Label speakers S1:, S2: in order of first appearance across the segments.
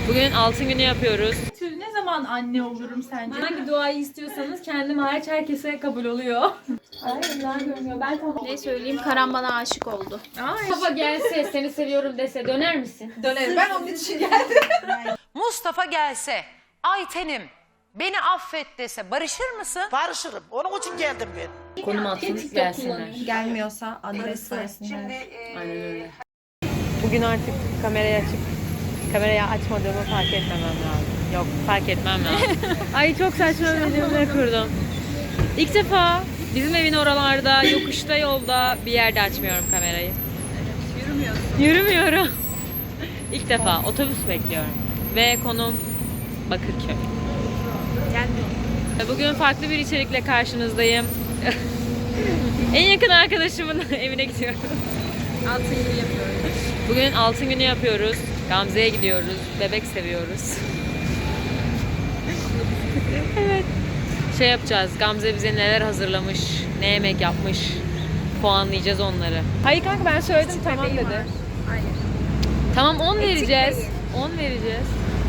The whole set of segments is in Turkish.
S1: Bugün altın günü yapıyoruz.
S2: Ne zaman anne olurum sence?
S1: Hangi duayı istiyorsanız kendim hariç herkese kabul oluyor.
S3: Ne söyleyeyim? Karan bana aşık oldu.
S1: Mustafa gelse seni seviyorum dese döner misin?
S2: Dönerim. Ben onun için geldim.
S4: Mustafa gelse, Ayten'im beni affet dese barışır mısın?
S5: Barışırım. Onun için geldim ben.
S1: Konum atsın gelsinler.
S2: Gelmiyorsa adres versinler.
S1: Aynen öyle. Bugün artık kamerayı açmadığımı fark etmemem lazım. Yok, fark etmem lazım. Ay çok saçma bir cümle kurdum. İlk defa bizim evin oralarda, yokuşta, yolda bir yerde açmıyorum kamerayı. Yürümüyorum. İlk defa otobüs bekliyorum. Ve konum Bakırköy. Bugün farklı bir içerikle karşınızdayım. En yakın arkadaşımın evine gidiyoruz.
S3: Altın günü yapıyoruz.
S1: Bugün altın günü yapıyoruz. Gamze'ye gidiyoruz. Bebek seviyoruz. Evet. Şey yapacağız. Gamze bize neler hazırlamış, ne yemek yapmış. Puanlayacağız onları. Hayır kanka ben söyledim tamam dedi.
S3: Hayır.
S1: Tamam 10 vereceğiz. 10 vereceğiz.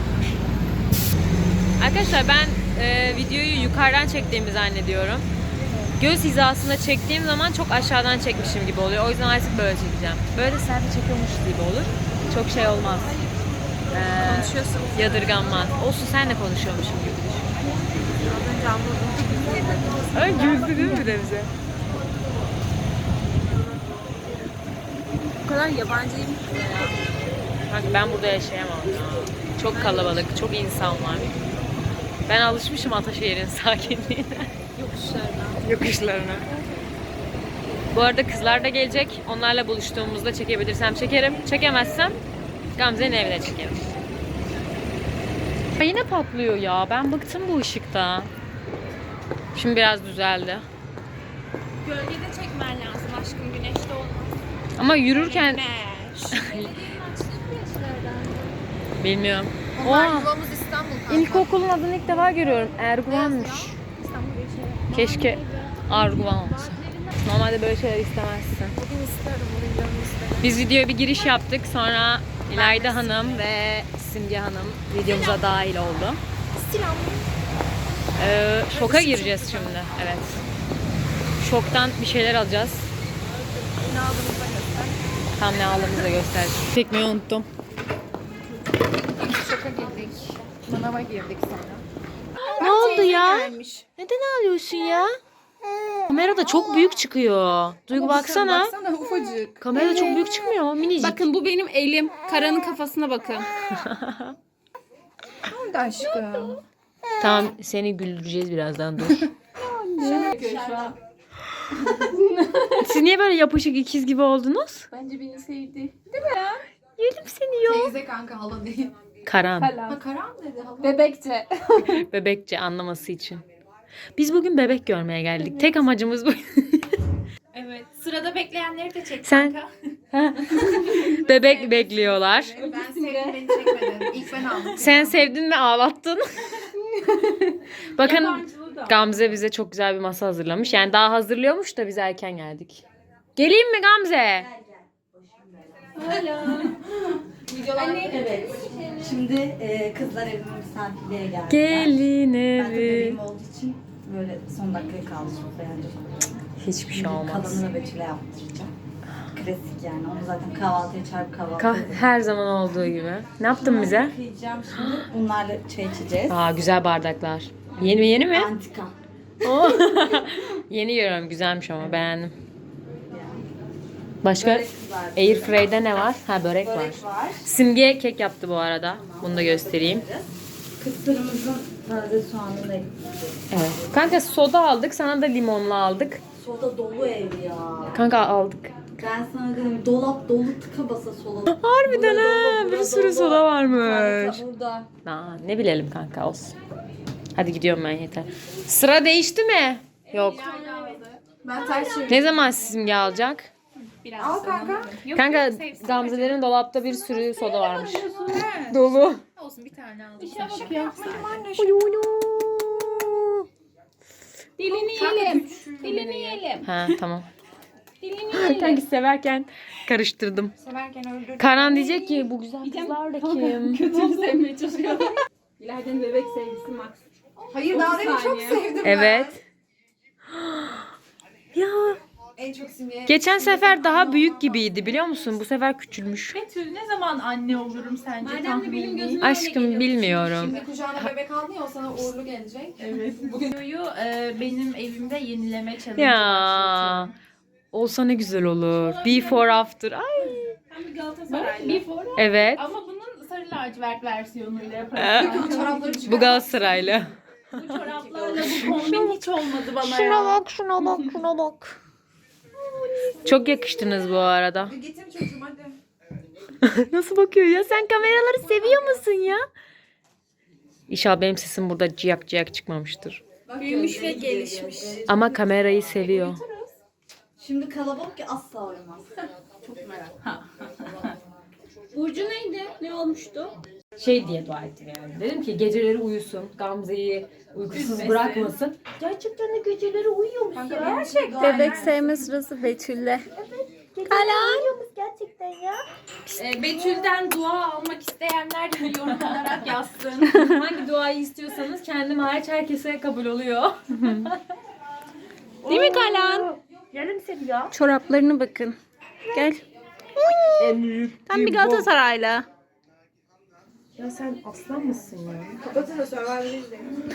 S1: Arkadaşlar ben videoyu yukarıdan çektiğimi zannediyorum. Göz hizasında çektiğim zaman çok aşağıdan çekmişim gibi oluyor. O yüzden artık böyle çekeceğim. Böyle selfie çekiyormuş gibi olur. Çok şey olmaz.
S3: Konuşuyorsun.
S1: Yadırganmaz. Olsun sen de konuşuyormuşum gibi düşün.
S3: Az önce anladım.
S1: Ay güldü değil mi bir de bize?
S3: Bu kadar yabancıyım ki ya.
S1: Bak ben burada yaşayamam ya. Çok kalabalık, çok insan var. Ben alışmışım Ataşehir'in sakinliğine.
S3: Yokuşlardan.
S1: Yokuşlarına. Bu arada kızlar da gelecek. Onlarla buluştuğumuzda çekebilirsem çekerim. Çekemezsem Gamze'nin evine çekerim. Ya yine patlıyor ya. Ben bıktım bu ışıkta. Şimdi biraz düzeldi.
S3: Gölgede çekmen lazım aşkım. Güneşte olmaz.
S1: Ama yürürken
S3: Güneş.
S1: bilmiyorum.
S3: Onlar
S1: Oha.
S3: yuvamız İstanbul kanka.
S1: İlkokulun adını ilk defa görüyorum. Erguvan'mış.
S3: İstanbul geçelim.
S1: Keşke Arguvan olsa. Normalde böyle şeyler istemezsin.
S3: Bugün isterim. Bugün canım isterim.
S1: Biz videoya bir giriş yaptık. Sonra İlayda Hanım ve Simge Hanım videomuza dahil oldu.
S3: Selam.
S1: Şoka gireceğiz şimdi. Evet. Şoktan bir şeyler alacağız.
S3: Ne aldığımızı da göster.
S1: Tam ne aldığımızı da göster. Çekmeyi unuttum.
S3: Şoka girdik. Manava girdik sonra.
S1: Ne oldu ya?
S3: Gelmiş.
S1: Neden ağlıyorsun ya? Kamerada çok büyük çıkıyor. Duygu baksana.
S3: Baksana ufacık.
S1: Kamerada çok büyük çıkmıyor. Minicik.
S3: Bakın bu benim elim. Karanın kafasına bakın. Oldu aşkım.
S1: Tamam seni güldüreceğiz birazdan dur. Siz niye böyle yapışık ikiz gibi oldunuz?
S3: Bence beni sevdi.
S1: Yedim seni ya.
S3: Teyze kanka hala değil.
S1: Karan.
S3: Ha Karan dedi hala. Bebekçe.
S1: Bebekçe anlaması için. Biz bugün bebek görmeye geldik. Tek amacımız bu.
S3: Evet. Sırada bekleyenleri de çek
S1: Sen-
S3: kanka.
S1: Bebek bekliyorlar.
S3: Ben sevdim beni çekmedin. İlk ben aldım.
S1: Sen sevdin ve ağlattın. Bakın
S3: Yabancılığı da.
S1: Gamze bize çok güzel bir masa hazırlamış. Yani daha hazırlıyormuş da biz erken geldik. Geleyim mi Gamze?
S6: Evet. Şimdi kızlar evime misafirliğe geldiler.
S1: Gelin
S6: Ben de
S1: evi.
S6: bebeğim olduğu için böyle son dakikaya kaldı sofraya ancak.
S1: Hiçbir şey olmaz.
S6: Kalanını Betül'e yaptıracağım. Klasik yani. Onu zaten kahvaltıya çarpıp kahvaltı edip.
S1: Her zaman olduğu gibi. Ne yaptın bize?
S6: Yıkayacağım şimdi. Bunlarla çay içeceğiz.
S1: Aa güzel bardaklar. Yeni mi?
S6: Antika.
S1: Oo. Yeni görüyorum. Güzelmiş ama beğendim. Başka
S6: Börek kızardı.
S1: Airfry'de ne var? Ha börek var.
S6: Börek var.
S1: Simge kek yaptı bu arada. Bunu da göstereyim.
S6: Kısırımızın taze soğanını ekleyeceğiz.
S1: Evet. Kanka soda aldık. Sana da limonlu aldık.
S6: Soda dolu ev ya.
S1: Kanka aldık.
S6: Ben sana dedim dolap dolu tıka basa soda.
S1: Harbiden
S6: Burada
S1: ha.
S6: dolu,
S1: Bir
S6: burada
S1: sürü
S6: dolu.
S1: soda varmış.
S6: Burada.
S1: Aa, ne bilelim kanka olsun. Hadi gidiyorum ben yeter. Sıra değişti mi? Yok.
S3: Ben ters çevirdim.
S1: Ne zaman Simge alacak?
S3: Biraz al kanka. Yok,
S1: Kanka
S3: yok, sevsin.
S1: Gamzelerin dolapta bir sürü soda varmış. Dolu.
S3: Olsun bir tane aldım.
S1: Dilini
S3: Dilini yiyelim.
S1: Ha tamam. Sanki severken karıştırdım.
S3: Severken öldürdüm.
S1: Karan diyecek ki bu güzel kızlar da kim?
S2: Kötüyü sevmeye çalışıyorum.
S3: İlayda'nın bebek sevgisi Max.
S2: Hayır daha demin çok sevdim
S1: Evet. Ya
S2: En çok simye.
S1: geçen sefer daha büyük gibiydi biliyor musun? Bu sefer küçülmüş.
S2: Betül ne zaman anne olurum sence?
S3: Madem de
S2: tahmini?
S3: benim gözüme
S1: Aşkım bilmiyorum.
S7: Şimdi kucağına bebek aldın ya o sana uğurlu gelecek.
S2: Evet. Videoyu benim evimde yenileme challenge
S1: Ya
S2: başlatıyorum.
S1: olsa ne güzel olur. Before after. Ay.
S2: Ben bir Galatasaraylı.
S1: Evet.
S2: Ama bunun sarı lacivert versiyonuyla yaparım.
S7: Çorapları çıkar.
S1: Bu Galatasaraylı.
S2: Bu çoraplarla bu kombin hiç olmadı bana
S1: Şuna
S2: ya.
S1: bak, şuna bak, şuna bak. Çok yakıştınız bu arada.
S7: Getir çocuğum hadi.
S1: Nasıl bakıyor ya? Sen kameraları seviyor musun ya? İnşallah benim sesim burada ciyak ciyak çıkmamıştır.
S3: Büyümüş ve gelişmiş.
S1: Ama kamerayı seviyor.
S6: Şimdi kalabalık ki asla uyumaz.
S3: Burcu neydi? Ne olmuştu?
S1: Şey diye dua ettim yani. Dedim ki geceleri uyusun. Gamze'yi uykusuz bırakmasın. Gerçekten de geceleri uyuyormuş ya.
S3: Bebek sevme sırası Betül'le.
S1: Gerçekten ya.
S2: Betül'den dua almak isteyenler yorum olarak yazsın.
S1: Hangi duayı istiyorsanız kendim hariç herkese kabul oluyor.
S3: Değil mi Kalan?
S1: Yarım seviyor.
S3: Çoraplarına bakın. Gel.
S1: En büyük.
S3: Tam bir Galatasaraylı.
S1: Ya sen aslan mısın ya?
S7: Kapatın da Survivor'ı izleyin.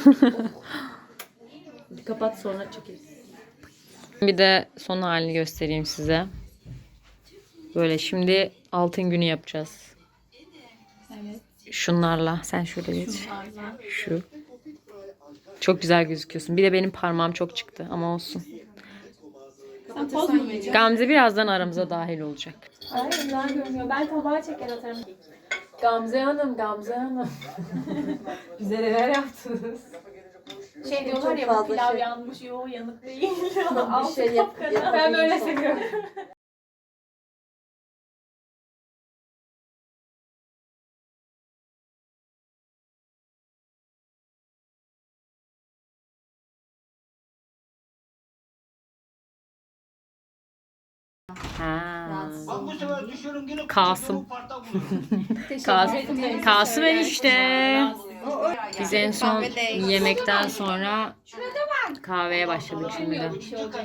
S1: Bir kapat sonra çekeriz. Bir de son halini göstereyim size. Böyle şimdi altın günü yapacağız.
S2: Evet.
S1: Şunlarla. Sen şöyle geç. Şu. Çok güzel gözüküyorsun. Bir de benim parmağım çok çıktı ama olsun.
S2: Sen poz mu vereceksin?
S1: Gamze birazdan aramıza dahil olacak.
S3: Hayır güzel görünüyor. Ben tabağa çeker atarım.
S1: Gamze Hanım, Gamze Hanım. Bize neler yaptınız?
S2: Şey diyorlar ya bu pilav yanmış. Yo yanık değil.
S6: Bir şey yap.
S2: Ben böyle seviyorum.
S1: Ha.
S5: Bak bu sefer düşüyorum yine
S1: Kasım. Kasım enişte. Biz en son yemekten sonra kahveye başladık şimdi de.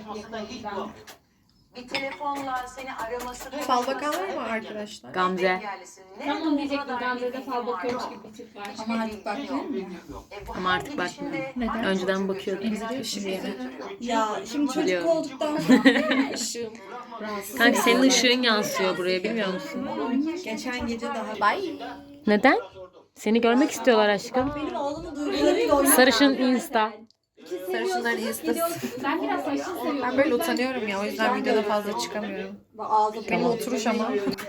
S4: Bir telefonla seni araması...
S7: Fal bakan var mı arkadaşlar?
S1: Gamze.
S3: Tamam diyecektim. Gamze'de fal bakıyormuş gibi bir tip var.
S6: Ama artık bakmıyor mu?
S1: Ama artık bakmıyorum. Neden? Önceden bakıyordum.
S6: Ya şimdi çocuk
S1: Biliyorum.
S6: olduktan sonra ışığım.
S1: Kanka senin ışığın yansıyor buraya bilmiyor musun?
S7: Geçen gece daha.
S1: Neden? Seni görmek istiyorlar aşkım.
S6: Benim oğlumun duygularıyla oynamak.
S1: Sarışın Insta.
S7: Sarışınların instası.
S3: Ben biraz saçını seviyorum.
S7: Ben böyle utanıyorum ya o yüzden videoda fazla çıkamıyorum.
S6: Ağzı
S7: Benim oturuş ama.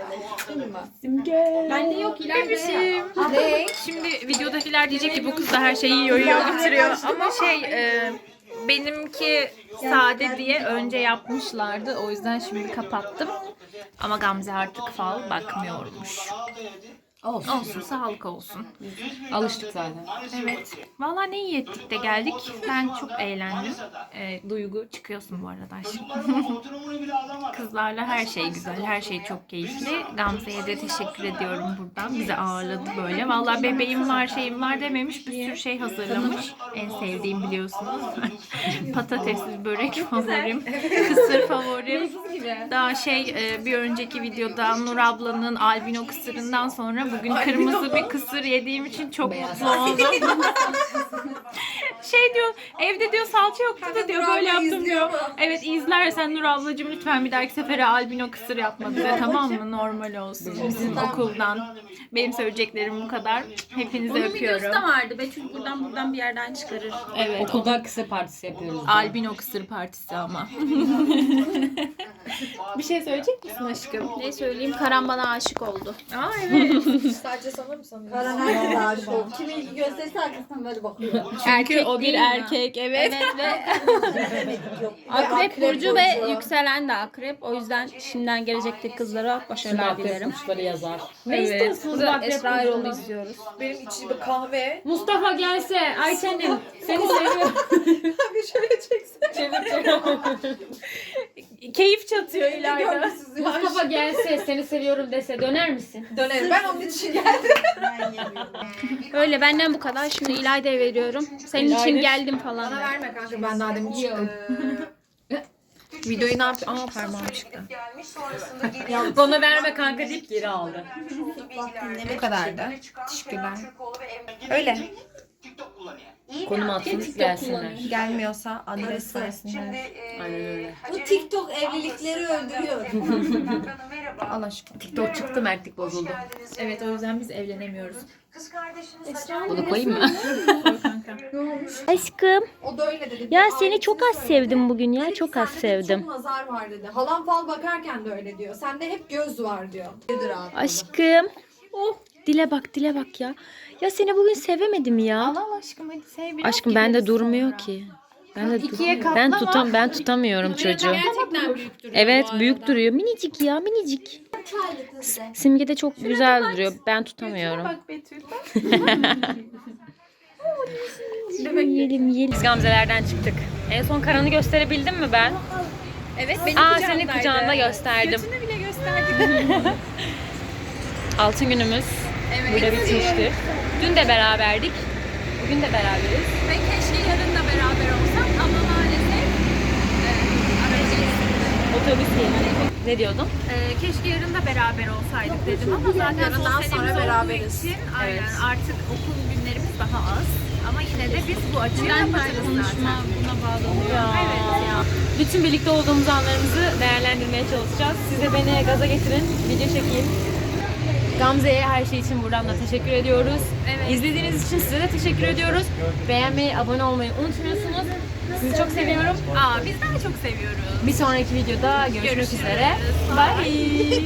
S3: Bende yok İlayda.
S2: Ne? Şimdi videodakiler diyecek ki bu kız da her şeyi yiyor bitiriyor. Ama benimki sade diye önce yapmışlardı. O yüzden şimdi kapattım. Ama Gamze artık fal bakmıyormuş. Olsun sağlık olsun.
S1: Alıştık zaten.
S2: Evet. Valla ne iyi ettik de geldik. Ben çok eğlendim. Duygu çıkıyorsun bu arada aşkım. Kızlarla her şey güzel, her şey çok keyifli. Gamze'ye de teşekkür ediyorum buradan. Bizi ağırladı böyle. Valla bebeğim var, şeyim var dememiş. Bir sürü şey hazırlamış. En sevdiğim biliyorsunuz. Patatesli börek favorim. Kısır favorim. Daha bir önceki videoda Nur ablanın albino kısırından sonra bugün kırmızı bir kısır yediğim için çok mutlu oldum. Diyor, evde diyor salça yoktu da diyor böyle yaptım diyor. Evet izlersen Nur ablacığım lütfen bir dahaki sefere albino kısır yapma bize tamam mı? Normal olsun bizim okuldan. Benim söyleyeceklerim bu kadar. Hepinizi
S3: Onun
S2: öpüyorum.
S3: videosu da vardı. Betül buradan bir yerden çıkarır.
S2: Evet.
S1: Okulda kısa partisi yapıyoruz.
S2: Albino kısır partisi ama. Bir şey söyleyecek misin aşkım?
S3: Ne söyleyeyim? Karan bana aşık oldu.
S2: Aa evet.
S7: Sadece sana mı sanıyorsun?
S6: Karan herkese aşık oldu. Kim ilgi gösterirse arkasından böyle bakıyor.
S2: Çünkü o bir
S3: değil mi?
S2: erkek evet.
S3: Evet ve Akrep burcu ve yükselen de akrep. O yüzden şimdiden gelecekteki kızlara başarılar dilerim.
S1: Burçları yazar.
S2: Evet.
S3: Burada Esra Erol'u izliyoruz.
S7: Benim içi bir kahve.
S1: Mustafa gelse Ayça'nın seni seviyorum.
S7: Bir şöyle çeksin.
S2: keyif çatıyor ileride.
S1: Mustafa gelse seni seviyorum dese döner misin?
S7: Dönerim. Ben onun için geldim.
S3: Öyle benden bu kadar. Şimdi İlayda'ya veriyorum. Senin için geldim falan.
S7: Bana verme kanka, ben daha demin çıktım. Videoyu ne yapacağım? Aa, parmağım çıktı.
S1: Bana verme kanka deyip geri aldı.
S7: Bu kadardı. Teşekkürler. Öyle.
S1: Konum atsınız gelsinler.
S7: Gelmiyorsa adres versinler.
S1: Aynen öyle.
S6: Bu TikTok evlilikleri öldürüyor.
S7: Allah aşkına.
S1: TikTok çıktı, mertlik bozuldu.
S7: Evet, o yüzden biz evlenemiyoruz.
S1: Bunu koyayım mı?
S3: Aşkım.
S7: O da öyle dedi.
S3: Ya seni çok az sevdim bugün ya. Çok az sevdim.
S7: Çok nazar var dedi. Halam fal bakarken de öyle diyor. Sende hep göz var diyor. Nedir abi?
S3: Aşkım. Oh. Dile bak ya. Ya seni bugün sevemedim ya.
S2: Allah aşkım hadi sev.
S3: Aşkım bende durmuyor ki. Ben tutamıyorum çocuğu.
S2: Gerçekten büyük duruyor.
S3: Evet büyük duruyor. Minicik ya minicik. Simge de çok güzel duruyor. Ben tutamıyorum.
S2: Bak Betül.
S3: Yiyelim.
S1: Biz Gamze'lerden çıktık. En son Karan'ı gösterebildim mi ben?
S2: Evet benim
S1: Senin kucağında gösterdim.
S2: Götünü bile gösterdik.
S1: Altın günümüz burada bitmiştir. Dün de beraberdik. Bugün de beraberiz.
S2: Ve keşke yarın da beraber olsam ama maalesef arayacağız.
S1: Otobüs geliyor. Ne diyordun?
S2: Keşke yarın da beraber olsaydık dedim ama zaten
S7: Yarından
S2: son senemiz
S7: sonra
S2: olduğu
S7: beraberiz.
S2: için aynen
S1: Evet.
S2: artık okul günlerimiz daha az. Ama yine de biz bu açıyı kapatırız zaten. Buna bağlanıyor. Evet ya.
S1: Bütün birlikte olduğumuz anlarımızı değerlendirmeye çalışacağız. Siz de beni gaza getirin, video çekeyim. Gamze'ye her şey için buradan da teşekkür ediyoruz.
S2: Evet.
S1: İzlediğiniz için size de teşekkür ediyoruz. Beğenmeyi, abone olmayı unutmuyorsunuz. Sizi çok seviyorum.
S2: Biz daha çok seviyoruz.
S1: Bir sonraki videoda görüşmek üzere. Bye.